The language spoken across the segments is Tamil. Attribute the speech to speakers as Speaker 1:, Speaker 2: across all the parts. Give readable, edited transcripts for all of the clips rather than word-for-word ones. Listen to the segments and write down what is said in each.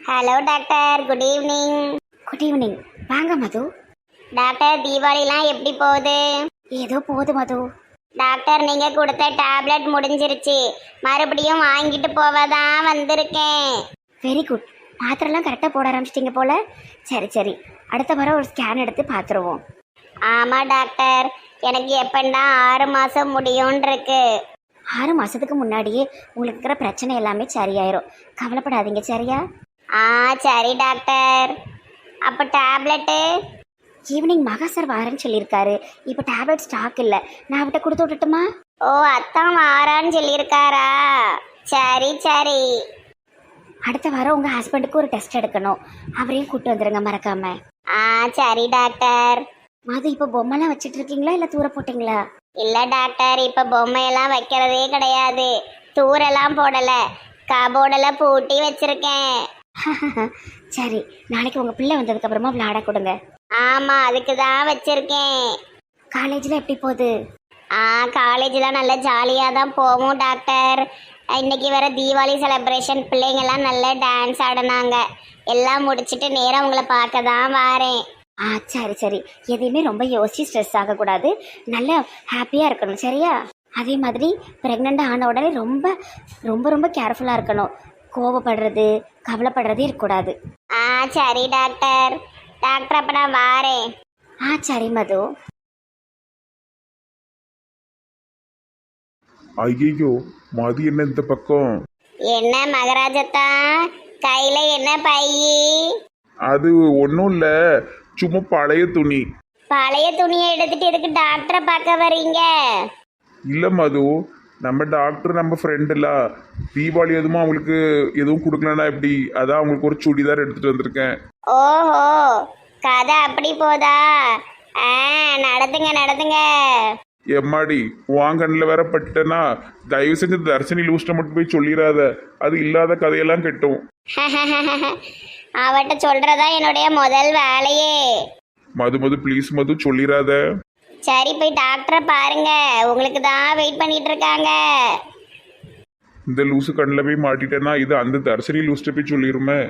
Speaker 1: Hello doctor, good evening.
Speaker 2: Good evening. வாங்க மது.
Speaker 1: டாக்டர், தீபாவளிலாம் எப்படி போகுது?
Speaker 2: ஏதோ போகுது மது.
Speaker 1: டாக்டர், நீங்க கொடுத்த டேப்லெட் முடிஞ்சிருச்சு, மறுபடியும் வாங்கிட்டு போவதான் வந்திருக்கேன்.
Speaker 2: Very good. மாத்திரெல்லாம் கரெக்டாக போட ஆரம்பிச்சிட்டிங்க போல. சரி சரி, அடுத்த வாரம் ஒரு ஸ்கேன் எடுத்து பார்த்துருவோம்.
Speaker 1: ஆமா டாக்டர், எனக்கு எப்பண்டா 6 மாசம் முடியும்னு இருக்கு.
Speaker 2: 6 மாதத்துக்கு முன்னாடியே உங்களுக்கு இருக்கிற பிரச்சனை எல்லாமே சரியாயிரும். கவலைப்படாதீங்க, சரியா?
Speaker 1: சரி டாக்டர். அப்போ டேப்லெட்டு?
Speaker 2: ஈவினிங் மகா சார் வாரேன்னு சொல்லியிருக்காரு. இப்போ டேப்லெட் ஸ்டாக் இல்லை. நான் அவட்ட கொடுத்து விட்டுட்டுமா?
Speaker 1: ஓ, அத்தான் வாரான்னு சொல்லியிருக்காரா? சரி சரி.
Speaker 2: அடுத்த வாரம் உங்கள் ஹஸ்பண்டுக்கு ஒரு டெஸ்ட் எடுக்கணும். அவரையும் கூப்பிட்டு வந்துடுங்க மறக்காம.
Speaker 1: சரி டாக்டர்.
Speaker 2: மது, இப்போ பொம்மைலாம் வச்சுட்டு இருக்கீங்களா இல்லை தூர போட்டிங்களா?
Speaker 1: இல்ல டாக்டர், இப்ப பொம்மையெல்லாம் வைக்கிறதே கிடையாது. தூரெல்லாம் போடல, கபோர்டெல்லாம் பூட்டி வச்சிருக்கேன்.
Speaker 2: சரி, நாளைக்கு உங்கள் பிள்ளை வந்ததுக்கு அப்புறமா விளையாட கொடுங்க.
Speaker 1: ஆமா, அதுக்கு தான் வச்சிருக்கேன்.
Speaker 2: காலேஜில் எப்படி போகுது?
Speaker 1: காலேஜ்லாம் நல்ல ஜாலியாக தான் போவோம் டாக்டர். இன்னைக்கு வேற தீபாவளி செலிப்ரேஷன், பிள்ளைங்கெல்லாம் நல்ல டான்ஸ் ஆடினாங்க. எல்லாம் முடிச்சுட்டு நேரம் உங்களை பார்க்க தான் வாரேன்.
Speaker 2: சரி சரி, எதையுமே ரொம்ப யோசிச்சு ஸ்ட்ரெஸ் ஆகக்கூடாது. நல்லா ஹாப்பியாக இருக்கணும், சரியா? அதே மாதிரி ப்ரெக்னெண்ட்டாக ஆன உடனே ரொம்ப ரொம்ப ரொம்ப கேர்ஃபுல்லாக இருக்கணும். கோவப்படுறது, கவலைப்படுறதே இருக்கக்கூடாது.
Speaker 1: சரி டாக்டர். டாக்டர், அப்போ நான் வாரேன்.
Speaker 2: சரி மது.
Speaker 3: ஐயோ, மதி என்ன இந்த பக்கம்?
Speaker 1: என்ன மகராஜத்தா, கையில என்ன பையி?
Speaker 3: அது ஒன்றும் இல்லை, சும்மா பழைய துணி.
Speaker 1: பழைய துணியை எடுத்துட்டு எதுக்கு டாக்டரை பார்க்க வர்றீங்க?
Speaker 3: இல்லை மது, நம்ம டாக்டர் நம்ம ஃப்ரெண்டுல தீபாவளி எதுவும் அவங்களுக்கு எதுவும் கொடுக்கலன்னா எப்படி, அதான் அவங்களுக்கு ஒரு சுடிதார் எடுத்துட்டு வந்திருக்கேன்.
Speaker 1: ஓஹோ, கதை அப்படி போதா? நடத்துங்க நடத்துங்க.
Speaker 3: எம்மாடி, வாங்கண்ணில் வேற பட்டேன்னா தயவு செஞ்சு தர்ஷினி லூஸ்ட்டை மட்டும் போய் சொல்லிடாத, அது இல்லாத கதையெல்லாம் கெட்டும்.
Speaker 1: அவட்ட சொல்றதா என்னுடைய முதல் வேலையே.
Speaker 3: மது மது ப்ளீஸ் மது, சொல்லிடாத.
Speaker 1: சரி, போய் டாக்டரை பாருங்க, உங்களுக்கு தான் வெயிட் பண்ணிட்டு இருக்காங்க.
Speaker 3: இந்த லூசு கண்ணில் போய் மாட்டிட்டேன்னா இது அந்த தர்ஷினி லூஸ்ட்டை போய் சொல்லிடுமே.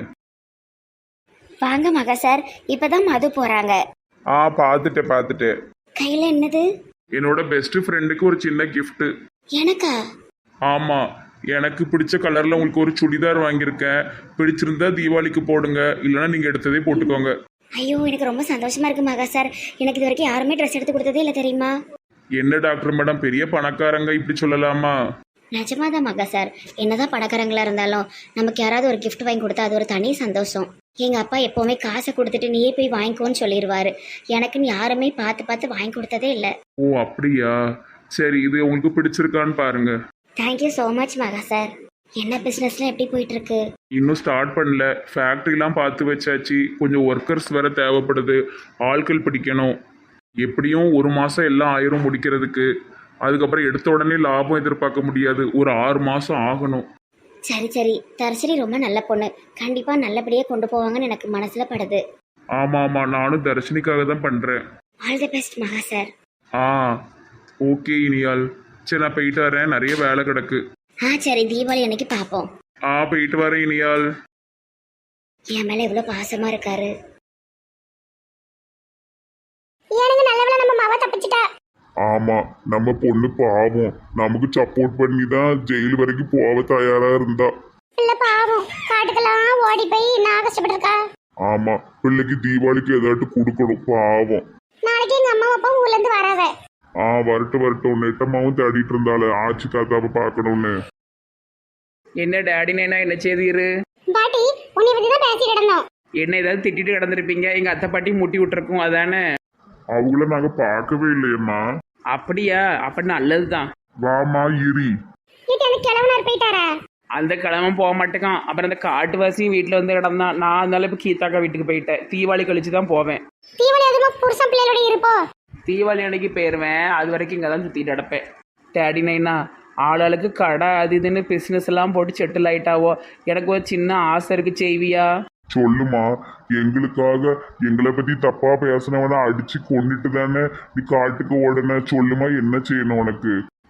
Speaker 2: வாங்க மகா சார், இப்பதான் மது போறாங்க.
Speaker 3: பார்த்துட்டேன்.
Speaker 2: கையில என்னது?
Speaker 3: என்னோட பெஸ்ட் ஃப்ரெண்டுக்கு ஒரு சின்ன கிஃப்ட்.
Speaker 2: எனக்கா?
Speaker 3: ஆமா, எனக்கு பிடிச்ச கலர்ல உங்களுக்கு ஒரு சுடிதார் வாங்கியிருக்கேன். பிடிச்சிருந்தா தீபாவளிக்கு போடுங்க, இல்லைன்னா நீங்க எடுத்ததே போட்டுக்கோங்க.
Speaker 2: ஐயோ, எனக்கு ரொம்ப சந்தோஷமா இருக்கு மகா சார். எனக்கு இது வரைக்கும் யாருமே ட்ரெஸ் எடுத்து கொடுத்ததே இல்லை, தெரியுமா?
Speaker 3: என்ன டாக்டர் மேடம், பெரிய பணக்காரங்க இப்படி சொல்லலாமா?
Speaker 2: நிஜமாதான் மகா சார். என்னதான் பணக்காரங்களா இருந்தாலும் நமக்கு யாராவது ஒரு கிஃப்ட் வாங்கி கொடுத்தா அது ஒரு தனி சந்தோஷம். எங்க அப்பா எப்பவுமே காசை கொடுத்துட்டு நீயே போய் வாங்கிக்கோன்னு சொல்லிடுவாரு. எனக்குன்னு யாருமே பார்த்து பார்த்து வாங்கி கொடுத்ததே இல்லை.
Speaker 3: ஓ அப்படியா? சரி, இது உங்களுக்கு பிடிச்சிருக்கான்னு பாருங்க.
Speaker 2: Thank you so much Maha sir. என்ன பிஸ்னஸ்லாம் எப்படி போயிட்டு இருக்கு?
Speaker 3: இன்னும் ஸ்டார்ட் பண்ணல, ஃபேக்ட்ரிலாம் பார்த்து வச்சாச்சு. கொஞ்சம் ஒர்க்கர்ஸ் வேற தேவைப்படுது, ஆட்கள் பிடிக்கணும். எப்படியும் 1 மாதம் எல்லாம் ஆயிரும் முடிக்கிறதுக்கு. அதுக்கப்புறம் எடுத்த உடனே லாபம் எதிர்பார்க்க முடியாது, ஒரு 6 மாதம் ஆகணும்.
Speaker 2: சரி சரி, தர்ஷினி ரொம்ப நல்ல பொண்ணு. கண்டிப்பா நல்லபடியாக கொண்டு போவாங்கன்னு எனக்கு மனசுல படுது.
Speaker 3: ஆமாம், நானும் தர்ஷினிக்காக தான் பண்ணுறேன்.
Speaker 2: All the best Maha sir.
Speaker 3: Okay இனியால். சரி, நான் போயிட்டு வரேன், நிறைய வேலை கிடக்கு.
Speaker 2: சரி, தீபாவளி அன்னைக்கு பார்ப்போம்.
Speaker 3: போயிட்டு வரேன் இனியால்.
Speaker 2: என் மேலே எவ்வளோ பாசமா இருக்காரு.
Speaker 1: எனக்கு நல்லவள நம்ம மாவ தப்பிச்சிட்டா.
Speaker 3: ஆமா, நம்ம பொண்ணு பாவம், நமக்கு சப்போர்ட் பண்ணி தான் ஜெயில் வரைக்கும் போக தயாரா இருந்தா.
Speaker 1: இல்ல பாவம், காட்டுக்கெல்லாம் ஓடி போய் நான் கஷ்டப்பட்டிருக்கா.
Speaker 3: ஆமா, பிள்ளைக்கு தீபாவளிக்கு ஏதாட்டு கொடுக்கணும் பாவம்.
Speaker 1: நாளைக்கு எங்க அம்மா அப்பா ஊர்ல இருந்து வராவ.
Speaker 3: வரட்டும். நெட்டம்மாவும் தேடிட்டு இருந்தால ஆச்சி தாத்தாவை பார்க்கணும்னு.
Speaker 4: என்ன டேடி நைனா என்ன செய்தீரு?
Speaker 1: பாட்டி, உன்னை பத்தி தான் பேசிட்டு இருந்தோம்.
Speaker 4: என்ன ஏதாவது திட்டிட்டு கிடந்திருப்பீங்க, எங்க அத்தை பாட்டி முட்டி விட்டுருக்கும், அதானே?
Speaker 3: அவங்கள நாங்க பார்க்கவே இல்லையம்மா.
Speaker 4: அப்படியா? அப்ப நல்லதுதான்.
Speaker 3: வாமா இரி.
Speaker 1: வீட்டு அந்த கிழவனார் போயிட்டாரா?
Speaker 4: அந்த கிழமை போக மாட்டேக்கான். அப்புறம் அந்த காட்டுவாசியும் வீட்டில் வந்து கிடந்தான். நான் அதனால இப்போ கீதாக்கா வீட்டுக்கு போயிட்டேன். தீபாவளி கழிச்சு தான் போவேன்.
Speaker 1: தீபாவளி அதுமா புருஷன் பிள்ளையோட இருப்போ?
Speaker 4: தீபாவளி அன்னைக்கு போயிடுவேன். அது வரைக்கும் இங்கே தான் சுற்றிட்டு கிடப்பேன். டேடி நைனா, ஆளாளுக்கு கடை அது இதுன்னு பிஸ்னஸ் எல்லாம் போட்டு செட்டில் ஆயிட்டாவோ. எனக்கு ஒரு சின்ன ஆசை இருக்கு, செய்வியா?
Speaker 3: சொல்லுமா, எங்களுக்காக எங்களை பத்தி தப்பா பேசினவன அடிச்சு கொண்டுட்டு தானே நீ காட்டுக்கு ஓடன. சொல்லுமா, என்ன செய்யணும் உனக்கு?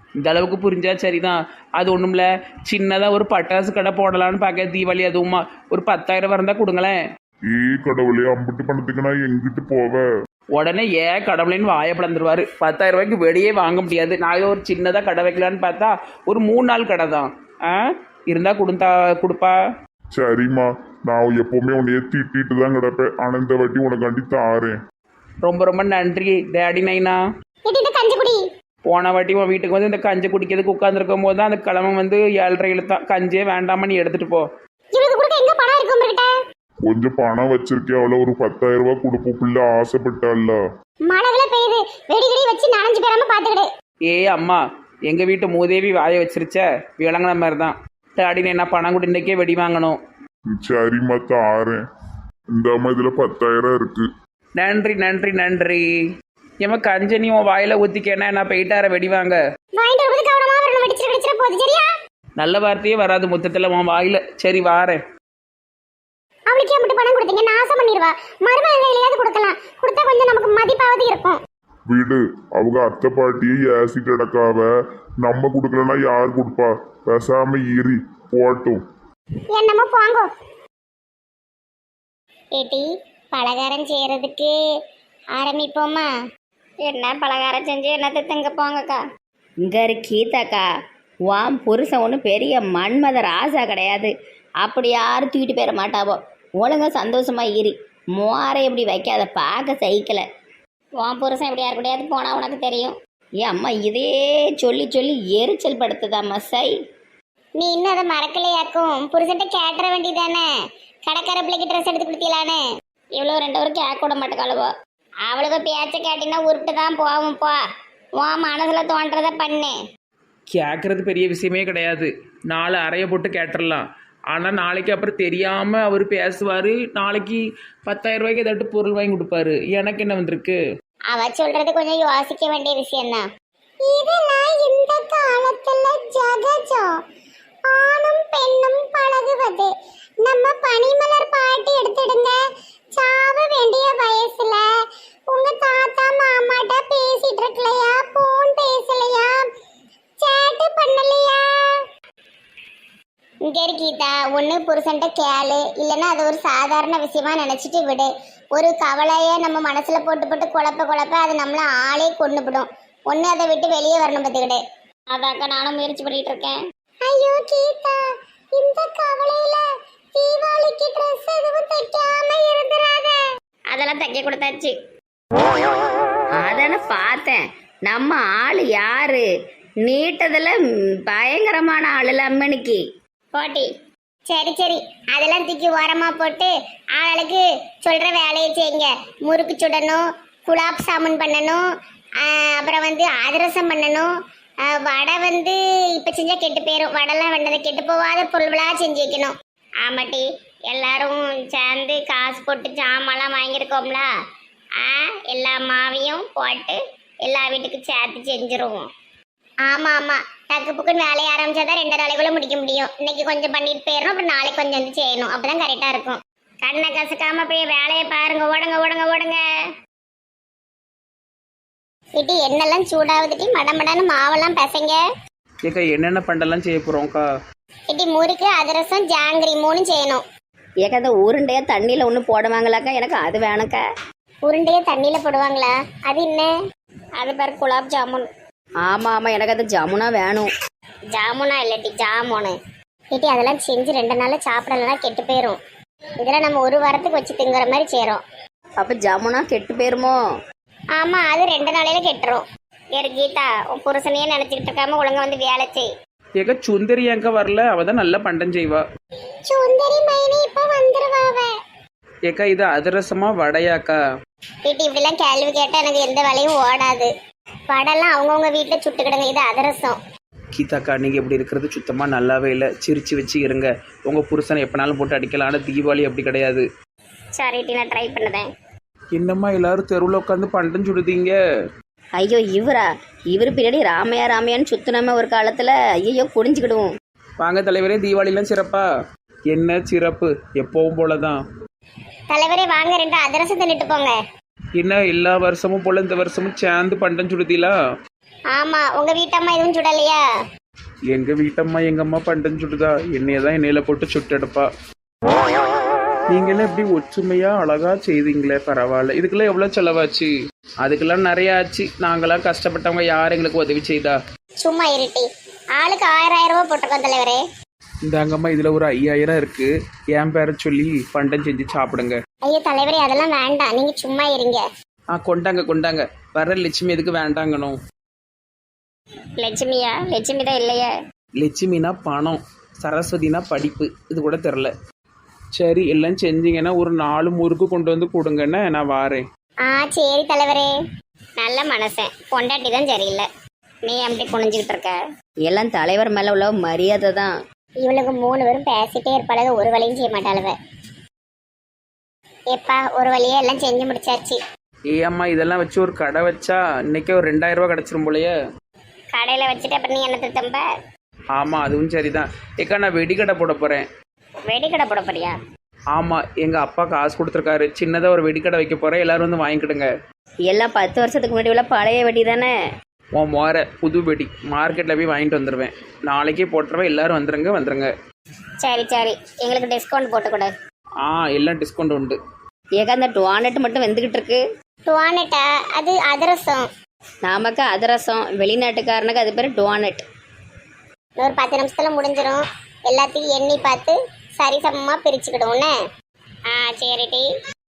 Speaker 4: இந்த அளவுக்கு புரிஞ்சா சரிதான். அது ஒன்றும்ல, சின்னதாக ஒரு பட்டாசு கடை போடலான்னு பார்க்க தீபாவளி, அதுவுமா ஒரு 10,000 இருந்தால் கொடுங்களேன்.
Speaker 3: கடவுளே, அம்பிட்டு பணத்துக்கு நான் எங்கிட்டு போவேன்?
Speaker 4: உடனே ஏன் கடவுளேன்னு வாயை பிளந்துருவாரு. 10,000 ரூபாய்க்கு வெளியே வாங்க முடியாது. நான் ஏதோ ஒரு சின்னதாக கடை வைக்கலான்னு பார்த்தா ஒரு 3 நாள் கடை தான். இருந்தால் கொடுப்பா.
Speaker 3: சரிம்மா, நான் எப்பவுமே உன்னைய திட்டிட்டு தான் கிடப்பேன். ஆனா இந்த வாட்டி உனக்காண்டி தாரேன்.
Speaker 4: ரொம்ப ரொம்ப நன்றி டேடி நைனா.
Speaker 1: கஞ்சி குடி.
Speaker 4: போன வாட்டி உன் வீட்டுக்கு வந்து இந்த கஞ்சி குடிக்கிறதுக்கு உட்காந்துருக்கும் போது தான் அந்த கிழமை வந்து 7:30 இழுத்தான். கஞ்சியே வேண்டாமா, நீ எடுத்துட்டு போ.
Speaker 1: இவளுக்கு கூட எங்க பணம் இருக்கு உங்ககிட்ட?
Speaker 3: கொஞ்சம் பணம் வச்சிருக்கேன், அவளை ஒரு 10,000 ரூபாய் கொடுப்போம். பிள்ளை ஆசைப்பட்டால.
Speaker 1: மழை பெய்யுது, வெடிகடி வச்சு நனைஞ்சு போயிடாம பாத்துக்கிடு.
Speaker 4: அம்மா, எங்கள் வீட்டு மூதேவி வாயை வச்சிருச்ச, விளங்குன மாதிரி தான். டேடி நைனா பணம் கூட இன்றைக்கே வெடி வாங்கணும்.
Speaker 3: சரிம்மா, தாரேன். இந்த அம்மா இதுல 10,000 இருக்கு.
Speaker 4: நன்றி நன்றி நன்றி. ஏமா கஞ்சனி உன் வாயில ஊத்திக்கேன்னா நான் போயிட்டார வெடி வாங்க.
Speaker 1: வாங்கிட்டு வரும்போது கவனமா வரணும், வெடிச்சிர போகுது சரியா?
Speaker 4: நல்ல வார்த்தையே வராது மொத்தத்தில் உன் வாயில. சரி வாரேன்.
Speaker 1: அவளுக்கே மட்டும் பணம் கொடுத்தீங்க, நாசம் பண்ணிடுவா. மருமகன் கையிலையாவது கொடுக்கலாம், கொடுத்தா கொஞ்சம் நமக்கு மதிப்பாவது இருக்கும்.
Speaker 3: வீடு அவங்க அத்தை பாட்டியை ஏசிட்டு அடக்காவ. நம்ம கொடுக்கலன்னா யார் கொடுப்பா? பேசாம ஈரி போட்டும்.
Speaker 1: என்னமோ போங்கோ. ஏட்டி, பலகாரம் செய்யறதுக்கு ஆரம்பிப்போமா? என்ன பலகாரம் செஞ்சு என்னத்தை திங்க போங்கக்கா.
Speaker 2: இங்கே கீதாக்கா, வாம் புருஷன் ஒன்றும் பெரிய மன்மத ராசா கிடையாது. அப்படி யாரும் தூக்கிட்டு போயிட மாட்டாவோ. ஒழுங்கா சந்தோஷமா ஈரி. மோரை எப்படி வைக்காத பார்க்க சைக்கிளை.
Speaker 1: உன் புருஷன் எப்படி யாரு கூடயாவது போனா உனக்கு தெரியும்.
Speaker 2: ஏன் அம்மா இதே சொல்லி சொல்லி எரிச்சல் படுத்துதாம்மா சை.
Speaker 1: நீ இன்னும் அதை மறக்கலையாக்கும். புருஷன்ட்ட கேட்டுற வேண்டியதானே, கடைக்கார பிள்ளைக்கு ட்ரெஸ் எடுத்து கொடுத்தீங்களானே. இவ்வளோ 2 பேரும் கேட்க விட மாட்டேக்காளுவோ. அவளுக்கு பேச்ச கேட்டீங்கன்னா உருட்டு தான் போவும். போ, உன் மனசுல தோன்றதை பண்ணு.
Speaker 4: கேட்கறது பெரிய விஷயமே கிடையாது. 4 அறையை போட்டு கேட்டுடலாம். ஆனால் நாளைக்கு அப்புறம் தெரியாமல் அவர் பேசுவார். நாளைக்கு 10,000 ரூபாய்க்கு ஏதாட்டு பொருள் வாங்கி கொடுப்பாரு. எனக்கு என்ன வந்திருக்கு?
Speaker 1: அவ சொல்றது கொஞ்சம் யோசிக்க வேண்டிய விஷயம்தான். இதெல்லாம் இந்த காலத்துல ஜகஜம். ஆணும் பெண்ணும் பழகுவது. நம்ம பனிமலர் பாட்டு எடுத்துடுங்க. சாவ வேண்டிய வயசுல உங்க தாத்தா மாமாட்ட பேசிட்டு இருக்கலையா? போன் பேசலையா? சேட்டு பண்ணலையா? இங்க இருக்கீதா, ஒன்று புருஷன்ட்ட கேளு, இல்லைன்னா அது ஒரு சாதாரண விஷயமா நினச்சிட்டு விடு. ஒரு கவலையை நம்ம மனசில் போட்டு போட்டு குழப்ப அது நம்மள ஆளே கொண்டுபிடும். ஒன்று அதை விட்டு வெளியே வரணும் பார்த்துக்கிட்டு. அதாக்கா நானும் முயற்சி பண்ணிட்டு இருக்கேன். ஐயோ கீதா, இந்த கவலையில தீபாவளிக்கு ட்ரெஸ் எதுவும் தைக்காம இருந்துராத. அதெல்லாம் தைக்க கொடுத்தாச்சு.
Speaker 2: அதானே பார்த்தேன். நம்ம ஆள் யாரு? நீட்டதில் பயங்கரமான ஆள் அம்மனிக்கு
Speaker 1: போட்டி. சரி சரி, அதெல்லாம் தூக்கி ஓரமா போட்டு ஆளுக்கு சொல்ற வேலையை செய்யுங்க. முறுக்கு சுடணும், குலாப் சாமுன் பண்ணணும், அப்புறம் வந்து அதிரசம் பண்ணணும். வடை வந்து இப்போ செஞ்சா கெட்டு போயிடும். வடைலாம் வேண்டதை கெட்டு போகாத பொருள்களாக செஞ்சு வைக்கணும். ஆமாட்டி, எல்லாரும் சேர்ந்து காசு போட்டு சாமான்லாம் வாங்கியிருக்கோம்ல, எல்லா மாவையும் போட்டு எல்லா வீட்டுக்கும் சேர்த்து செஞ்சுருவோம். ஆமாம் ஆமாம், டக்கு புக்குன்னு வேலையை ஆரம்பிச்சாதான் 2 நாளைக்குள்ள முடிக்க முடியும். இன்னைக்கு கொஞ்சம் பண்ணிட்டு போயிடணும், அப்புறம் நாளைக்கு கொஞ்சம் வந்து செய்யணும். அப்பதான் கரெக்டாக இருக்கும். கண்ணை கசக்காம போய் வேலையை பாருங்க. ஓடுங்க ஓடுங்க ஓடுங்க. இட்டி என்னெல்லாம் சூடாகுதுட்டி, மடமடன்னு மாவெல்லாம் பசங்க.
Speaker 4: ஏக்கா என்னென்ன பண்டெல்லாம் செய்ய போகிறோம்க்கா?
Speaker 1: இட்டி முறுக்கு, அதிரசம், ஜாங்கிரி 3 செய்யணும்.
Speaker 2: ஏக்கா அந்த உருண்டையா தண்ணியில் ஒன்று போடுவாங்களாக்கா? எனக்கு அது வேணக்கா.
Speaker 1: உருண்டையை தண்ணியில் போடுவாங்களா? அது என்ன? அது பேர் குலாப் ஜாமுன்.
Speaker 2: ஆமாம் ஆமாம், எனக்கு அது ஜாமுனா வேணும்.
Speaker 1: ஜாமுனா இல்லாட்டி ஜாமுனு. இட்டி அதெல்லாம் செஞ்சு 2 நாளில் சாப்பிடலன்னா கெட்டு போயிடும். இதெல்லாம் நம்ம 1 வாரத்துக்கு வச்சு திங்குற மாதிரி செய்கிறோம்.
Speaker 2: அப்போ ஜாமுனா கெட்டு போயிருமோ?
Speaker 1: ஆமாம், அது 2 நாளையில கெட்டுரும். ஏறு கீதா, உன் புருஷனையே நினச்சிக்கிட்டு இருக்காம ஒழுங்கா வந்து வேலை செய்.
Speaker 4: ஏக்கா சுந்தரி எங்க வரல? அவ தான் நல்ல பண்டம் செய்வா.
Speaker 1: சுந்தரி மைனி இப்போ வந்துருவாவ.
Speaker 4: ஏக்கா இது அதிரசமா வடையாக்கா?
Speaker 1: இட்டி இப்படிலாம் கேள்வி கேட்டால் எனக்கு எந்த வேலையும் ஓடாது. வடைலாம் அவங்கவுங்க வீட்டில் சுட்டுக்கிடுங்க. இது அதிரசம்.
Speaker 4: கீதாக்கா நீங்கள் இப்படி இருக்கிறது சுத்தமாக நல்லாவே இல்லை. சிரிச்சு வச்சு இருங்க. உங்கள் புருஷனை எப்போனாலும் போட்டு அடிக்கலாம். ஆனால் தீபாவளி அப்படி கிடையாது.
Speaker 1: சரி டி, நான் ட்ரை பண்ணுதேன்.
Speaker 4: என்னம்மா எல்லாரும் தெருவில் உட்காந்து பண்டம் சுடுதீங்க?
Speaker 2: ஐயோ இவர் பின்னாடி ராமையா ராமையான்னு சுத்தினமே ஒரு காலத்தில். ஐயோ குடிஞ்சுக்கிடுவோம்.
Speaker 4: வாங்க தலைவரே, தீபாவளிலாம் சிறப்பா? என்ன சிறப்பு, எப்பவும் போல தான்.
Speaker 1: தலைவரே வாங்க, 2 அதிரசம் தின்னுட்டு போங்க.
Speaker 4: என்ன எல்லா வருஷமும் போல இந்த வருஷமும் சேர்ந்து பண்டம் சுடுதீங்களா?
Speaker 1: ஆமா, உங்க வீட்டம்மா எதுவும் சுடலையா?
Speaker 4: எங்க வீட்டம்மா எங்க அம்மா பண்டன் சுடுதா, என்னைய தான் எண்ணெயில போட்டு சுட்டெடுப்பா. நீங்களாம் எப்படி ஒற்றுமையா அழகா செய்தீங்களே, பரவாயில்ல. இதுக்கெல்லாம் எவ்வளவு செலவாச்சு? அதுக்கெல்லாம் நிறைய ஆச்சு. நாங்களாம் கஷ்டப்பட்டவங்க யார் எங்களுக்கு உதவி செய்தா?
Speaker 1: சும்மா இருட்டி. ஆளுக்கு 1000 ரூபாய் போட்டிருக்கோம் தலைவரே.
Speaker 4: இந்தாங்கம்மா, இதுல ஒரு 5000 இருக்கு. என் பேரை சொல்லி பண்டம் செஞ்சு சாப்பிடுங்க.
Speaker 1: ஐயோ தலைவரே, அதெல்லாம் வேண்டாம், நீங்க சும்மா இருங்க.
Speaker 4: கொண்டாங்க கொண்டாங்க. வர லட்சுமி எதுக்கு வேண்டாங்கணும்?
Speaker 1: லட்சுமியா? லட்சுமி தான் இல்லையா?
Speaker 4: லட்சுமினா பணம், சரஸ்வதினா படிப்பு. இது கூட தெரில. சரி, எல்லாம் செஞ்சீங்கன்னா ஒரு 4 முறுக்கு கொண்டு வந்து கொடுங்கன்னு நான் வாரேன்.
Speaker 1: சரி தலைவரே. நல்ல மனசன், பொண்டாட்டி தான் சரியில்லை. நீ அப்படி குனிஞ்சுக்கிட்டு இருக்க.
Speaker 2: எல்லாம் தலைவர் மேலே உள்ள மரியாதை தான்.
Speaker 1: இவளுக்கு 3 பேரும் பேசிட்டே இருப்பாளுக, ஒரு வழியும் செய்ய மாட்டாளுவ. எப்பா ஒரு வழியே எல்லாம் செஞ்சு முடிச்சாச்சு.
Speaker 4: அம்மா, இதெல்லாம் வச்சு ஒரு கடை வச்சா இன்னைக்கே ஒரு 2000 ரூபா கிடச்சிரும் போலயே.
Speaker 1: கடையில வச்சுட்டு அப்புறம் நீ என்ன தம்ப?
Speaker 4: ஆமாம், அதுவும் சரிதான். நான் வெடிக்கடை போட போகிறேன்.
Speaker 1: வெடிக்கடை போட போறியா?
Speaker 4: ஆமாம், எங்கள் அப்பா காசு கொடுத்துருக்காரு. சின்னதாக ஒரு வெடிக்கடை வைக்க போகிறேன். எல்லோரும் வந்து வாங்கிக்கிடுங்க.
Speaker 2: எல்லாம் 10 வருஷத்துக்கு முன்னாடி உள்ள பழைய வெடி தானே.
Speaker 4: உன் மோர புது வெடி மார்க்கெட்டில் போய் வாங்கிட்டு வந்துடுவேன். நாளைக்கே போட்டுருவேன். எல்லோரும் வந்துருங்க.
Speaker 1: சரி சரி, எங்களுக்கு டிஸ்கவுண்ட் போட்டு கொடு.
Speaker 4: எல்லாம் டிஸ்கவுண்ட் உண்டு.
Speaker 2: ஏக்கா அந்த டோனட் மட்டும் வெந்துக்கிட்டு இருக்கு.
Speaker 1: டோனட்டா? அது அதிரசம்.
Speaker 2: நமக்கு அதிரசம், வெளிநாட்டுக்காரனுக்கு அது பேர் டோனட்.
Speaker 1: ஒரு 10 நிமிஷத்துல முடிஞ்சிடும். எல்லாத்தையும் எண்ணி பார்த்து சரி சமமா பிரிச்சுக்கிடுவோன்னு. சரிடி.